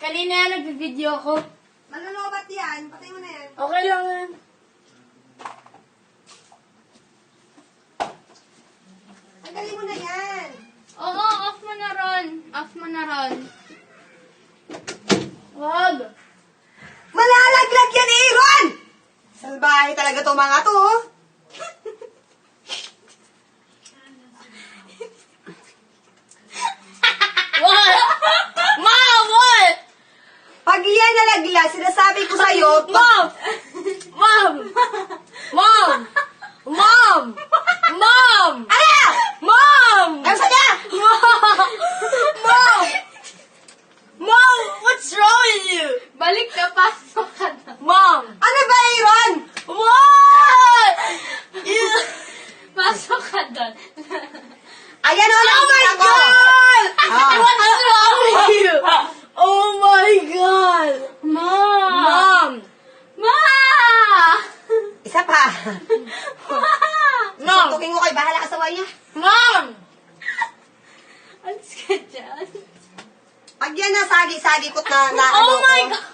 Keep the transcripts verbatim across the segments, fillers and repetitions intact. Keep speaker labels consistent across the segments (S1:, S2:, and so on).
S1: Kanina yan, nag-video ako.
S2: Malolobat yan. Patay mo na yan.
S1: Okay lang yan.
S2: Tanggalin mo na yan.
S1: Oo, off mo na ron. Off mo na ron. Wag.
S2: Malalaglag yan, Aaron! Salbahe talaga to mga to, oh.
S1: What? Mom, what?
S2: Pag yan nalaglag, sinasabi ko sa'yo,
S1: Mom! Mom! Mom! Mom! Mom!
S2: Ano?
S1: Mom!
S2: Ano sa niya?
S1: Mom! Mom! Mom! What's wrong with you? Balik ka, pasok ka na. Mom!
S2: Ano ba, Aaron?
S1: What? You... Pasok ka doon.
S2: Ayan, oh,
S1: Oh my
S2: nakita ko.
S1: God!
S2: Ah.
S1: What's wrong with you? Oh my God! Mom! Mom! Ma!
S2: Isa pa.
S1: Mom!
S2: Tukin ko kay bahala ka sa niya.
S1: Mom! Alis ka dyan.
S2: Pag yan nasagi-sagi ko na, na
S1: Oh
S2: ano
S1: my
S2: ko.
S1: God!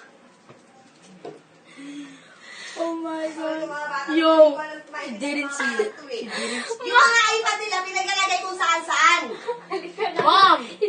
S1: Oh my
S2: Ano,
S1: God.
S2: mga bata,
S1: Yo,
S2: walang kumain
S1: I didn't
S2: sa
S1: see
S2: mga
S1: it.
S2: bata to, eh. Yung mga iPad nila, pinaglalagay kung saan-saan.
S1: Mom!